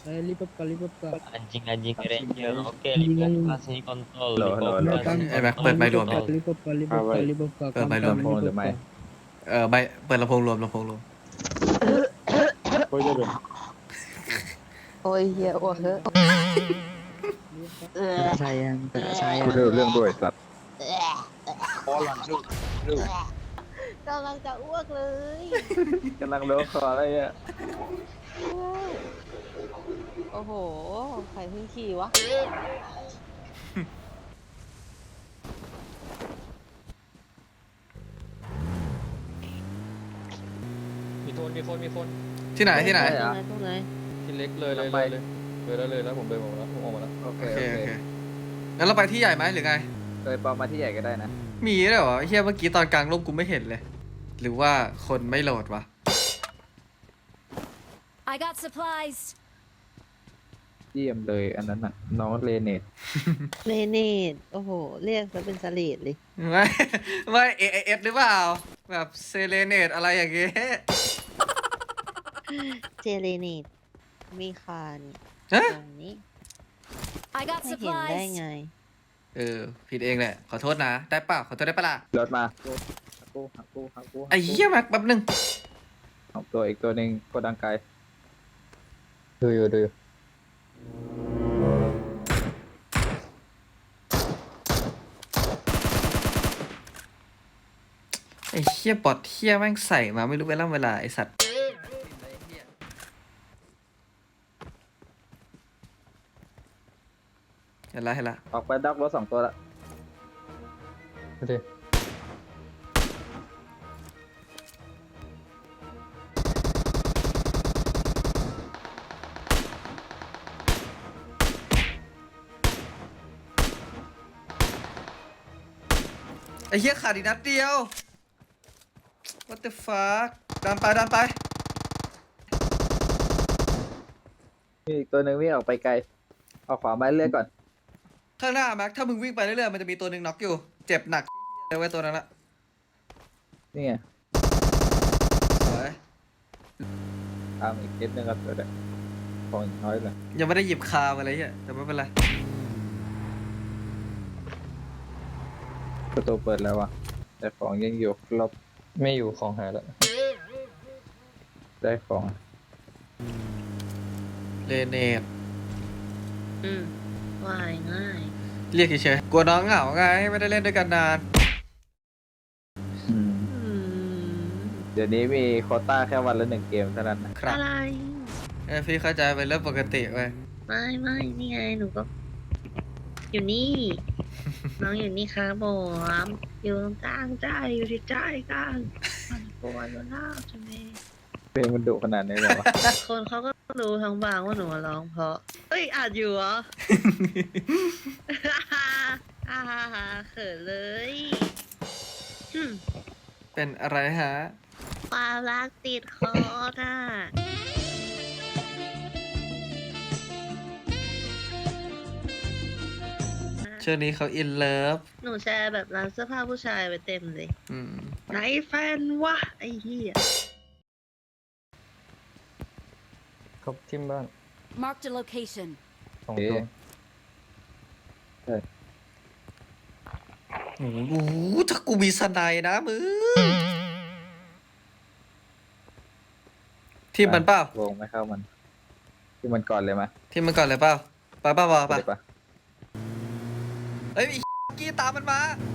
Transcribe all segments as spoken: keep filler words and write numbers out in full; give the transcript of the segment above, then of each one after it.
Eh, lipat kak, lipat kak. Anjing-anjing ranger. Oke, Anjing lipat anjing. kasih kontol. Halo, halo, halo. Lipat นะ kasih กำไอ้แม็ก kontol. เปิดไมค์รวม lipat ดิ kak, lipat kak, lipat เอาไว้ kak, lipat kak. เปิดไมค์รวม Kam-kam, ลำโพงหรือ lipat ไม่ kak. เออไม่เปิดลำโพงรวมลำโพงรวมโอ้ยเดี๋ยวโอ้ยเฮียอ้วกเถอะ Sayang, tak sayang. กูเรื่องเรื่องด้วยสัตว์กำลังจะอ้วกเลยกำลังเลี้ยวคออะไรอ่ะโอ้โหใครเพิ่งขี่วะมีคนมีคนมีคนที่ไหนที่ไหนตรงไหนตรงไหนที่เล็กเลยเลยเลยเลยเลยแล้วเลยแล้วผมเดินออกมาแล้วผมออกมาแล้วโอเคโอเคโอโอเคเคงั้นเราไปที่ใหญ่ไหมหรือไงเคยปอมมาที่ใหญ่ก็ได้นะมีด้วยเหรอไอ้เฮียเมื่อกี้ตอนกลางร่มกูไม่เห็นเลย หรือว่าคนไม่โหลดวะ I got supplies. เยี่ยมเลยอันนั้นน่ะน้องเลเนตเลเนตโอ้โห เรียกซะเป็นสลีดเลยไม่ไม่เอเอสหรือเปล่า แบบเซเลเนตอะไรอย่างเงี้ยเจเลเนตมีคานฮะตรงนี้ I got ไม่เห็นได้ supplies. ไงเออผิดเองแหละขอโทษนะ ได้เปล่าขอโทษได้ปะล่ะรถมาหักกูหักกูหักกูไอ้เหี้ยแม็กแป๊บนึงสองตัวอีกตัวหนึ่งโกดังไกลดูอยู่ดูอยู่ไอ้เหี้ยบอทเหี้ยแม่งใส่มาไม่รู้เวลาเวลาไอ้สัตว์เห็นละเห็นละออกไปดักรถสองตัวละโอเคไอ้เหี้ยขาดอีกนัดเดียว what the fuck ดันไปดันไปมีอีกตัวหนึ่งวิ่งออกไปไกลออกขวาไม้เลื่อยก่อนข้างหน้าแม็กถ้ามึงวิ่งไปเรื่อยๆมันจะมีตัวหนึ่งน็อกอยู่ เจ็บหนักเลยไว้ยตัวนั้นละนี่ไงสวยตามอีกนิดนึงครับเดี๋ยวเดี๋ยวของอีกน้อยเลยยังไม่ได้หยิบคามาเลยเหี้ยแต่ไม่เป็นไรประตูเปิดแล้วว่ะแต่ของยังอยู่ครบไม่อยู่ของหายแล้วได้ของเลเนตอืมว่ายง่ายเรียกเฉยๆกลัวน้องเหงาไงไม่ได้เล่นด้วยกันนานอืมอืมเดี๋ยวนี้มีโควต้าแค่วันละหนึ่งเกมเท่านั้นนะครับอะไรเอ้ยพี่เข้าใจเป็นเรื่องปกติเว้ยไม่ไม่นี่ไงหนูก็ อยู่นี่ น้องอยู่นี่ครับผมอยู่ตรงกลางใจอยู่ที่ใจกลางมันกลัวอยู่แล้วใช่ไหมเพลงมันดุขนาดนี้เลยวะคนเขาก็รู้ทั้งบางว่าหนูร้องเพราะเอ้ยอาจอยู่เหรอ อ่าฮ่าฮ่าเขินเลยอืมเป็นอะไรฮะความรักติดคอน่ะช่วงนี้เขาอินเลิฟหนูแชร์แบบร้านเสื้อผ้าผู้ชายไปเต็มเลยอืมไหนแฟนวะไอ้เหี้ยเขาทิมบ้าน Marked a location. สองเอ๊ะตัวโอ้โหถ้ากูมีสไนด์นะมึงทีมมันเปล่าวงไม่เข้ามัน ที่มันก่อนเลยไหมทีมมันก่อนเลยเปล่าไปเปล่าไปไปไปปะเฮ้ยไอ้กี้ตามมันมา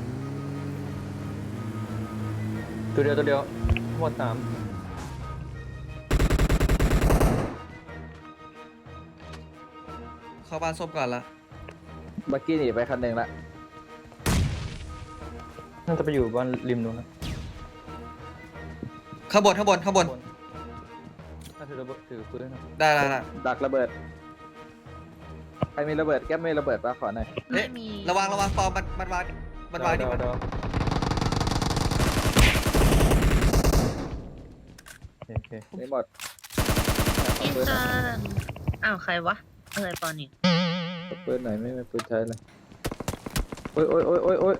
ตัวเดียวตัวเดียวทั้งหมดสามเข้าบ้านส้มก่อนละบักกี้หนีไปคันหนึ่งละน่าจะไปอยู่บ้านริมนู้นนะข้างบนข้างบนข้างบนน่าถือระเบิดถือปืนนะได้ได้ได้ดักระเบิด ใครมีระเบิดแก้มมีระเบิดปะขอหน่อยเอ๊ะไม่มีระวังระวังปอมมันมันวางมันวางนี่เดมันเดาโอเคไม่หมดอินจันอ้าวใครวะอะไรปอนนี่ขอปืนหน่อยไม่มีปืนใช้เลย โอ้ยโอ้ยโอ้ยโอ้ยโอ้ย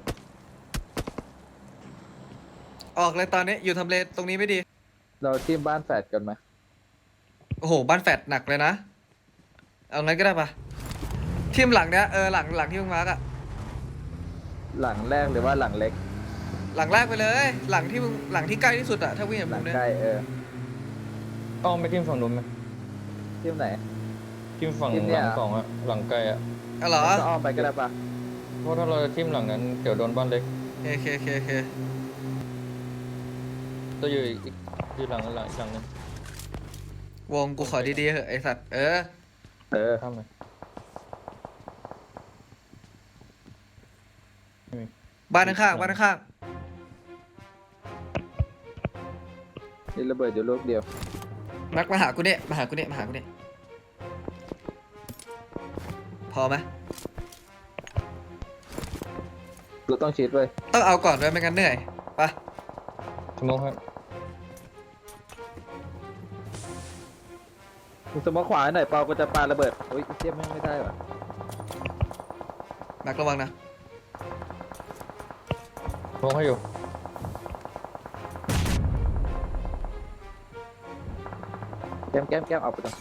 ออกเลยตอนนี้อยู่ทำเลตรงนี้ไม่ดีเราทีมบ้านแฝดกันไหมโอ้โหบ้านแฟดหนักเลยนะเอางั้นก็ได้ปะทีมหลังเนี้ยเออหลังหลังที่มึงมาร์กอะหลังแรกหรือว่าหลังเล็กหลังแรกไปเลย หลังที่มึงหลังที่ใกล้ที่สุดอะถ้าวิ่งอย่างหลัมึงงเนี่ยใกล้เอออ้อมไปทิมฝั่งนู้นไหมทีมไหนทิมฝั่งทิมเนี่หยลังสองอะหลังไกลอะอ๋อเหรอก็อ้อมไปก็ได้ปะเพราะถ้าเราจะทิมหลังนั้นเดี๋ยวโดนบ้านเล็กโอเคโอเคโอเคจะอยู่อีกอีกอยู่หลังหลังอีกหลังนึงวงกูขอดีๆเหอะไอสัตว์เออเออข้ามไปไม่มีบ้านข้างๆบ้านข้างนี่ระเบิดอยู่ลูกเดียวๆมักมาหากูเนี่ยมาหากูเนี่ยมาหากูเนี่ยพอไหมกูต้องชิดไว้ยต้องเอาก่อนด้วยไม่งั้นเหนื่อยไปะสโมองครับมึงสมมติขวาให้หน่อยเปากูจะปาระเบิดโอ้ยเทียบไม่งไม่ได้ว่ะมักระวังนะสโมองให้อยู่แก้มแก้มแก้มเอาไปตรง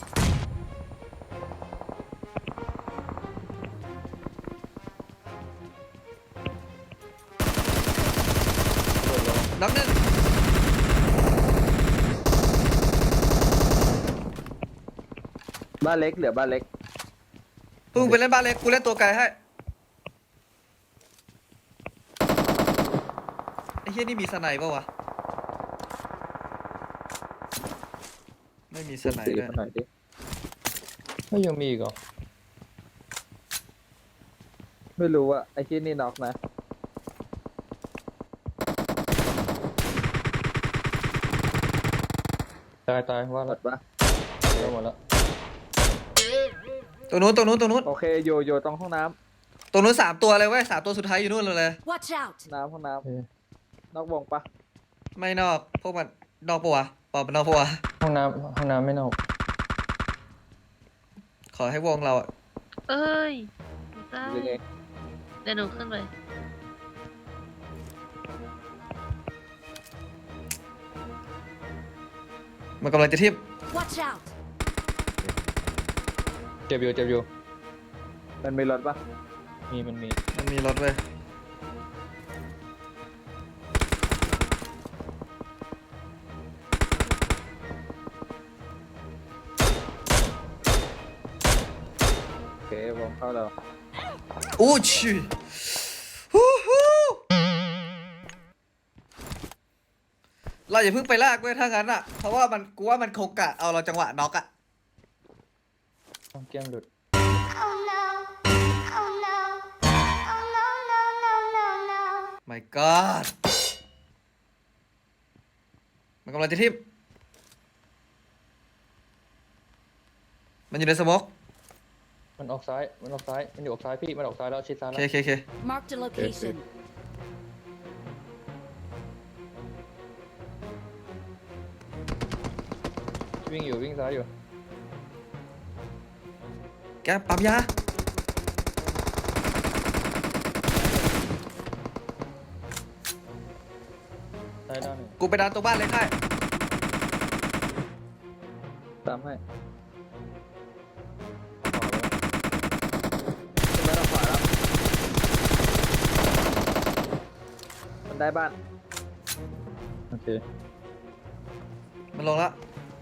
น็อกหนึ่งบ้านเล็กเหลือบ้านเล็กพวกมึงไปเล่นบ้านเล็กกูเล่นตัวไกลให้ไอ้เฮียนี่มีสไนป์ปะวะไม่มีสไนป์สีด้วยมาหน่อยดิไม่ยังมีอีกเหรอไม่รู้ว่าไอ้ที่นี่น็อกนะตายตายว่าหมละดปะเดี๋ยวหมดละตัวนู้นตัวนู้นตัวนู้นโอเคโยโยตรงห้องน้ตัวนู้นสามตัวเลยเว้ยสามตัวสุดท้ายอยู่นู่นเลย Watch out! ำน้ำห้องน้โอเคำนอกวงปะไม่นอกพวกมันนอกปะวะปอบมันนอกปะวะห้องน้ำห้องน้ำไม่นอกขอให้วงเราอะเอ้ยหนูตายหรือไงเดี๋ยวหนูขึ้นไปมันกำลังจะทิ่ม Watch out! เจ็บอยู่เจ็บอยู่มันมีรถปะมีมันมีมันมีรถเว้ยโอเควงเข้าเราอู้ชิฮู้ฮู้เราอย่าเพิ่งไปลากเว้ยถ้างั้นอะเพราะว่ามันกูว่ามันคงกะเอาเราจังหวะน็อกอะต้องแก้มหลุด Oh no! Oh no! Oh no, no, no, no, no! my god มันกำลังจะทิ่มมันอยู่ในสโมกมันออกซ้ายมันออกซ้ายมันอยู่ออกซ้ายพี่มันออกซ้ายแล้วชิดซ้ายโอแล้วเคโอเคโอเค Marked a location. วิ่งอยู่วิ่งซ้ายอยู่แกปั๊มยาซ้ายด้านหนึ่งกูไปดันตัวบ้านเลยค่ายตามให้ขวาแล้วขึ้นไปทางขวาแล้วมันได้บ้านโอเคมันลงแล้ว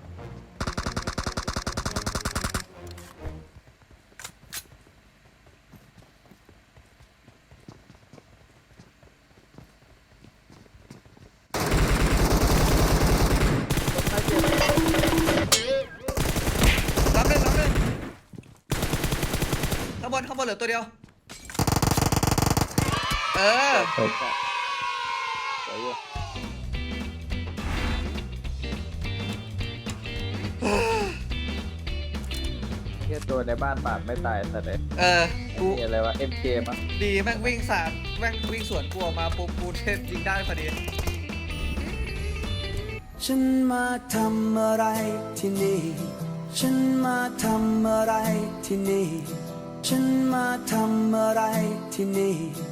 รับหนึ่งรับหนึ่งข้างบนข้างบนเหลือตัวเดียว เออสวยอยู่เฮียตัวในบ้านปาดไม่ตายแต่เลยเออ กูมีอะไรวะ เอ็ม เค มั้งดีแม่งวิ่งสาดแม่งวิ่งสวนกูออกมาปุ๊บกูเทพยิงได้พอดีฉันมาทำอะไรที่นี่ ฉันมาทำอะไรที่นี่ ฉันมาทำอะไรที่นี่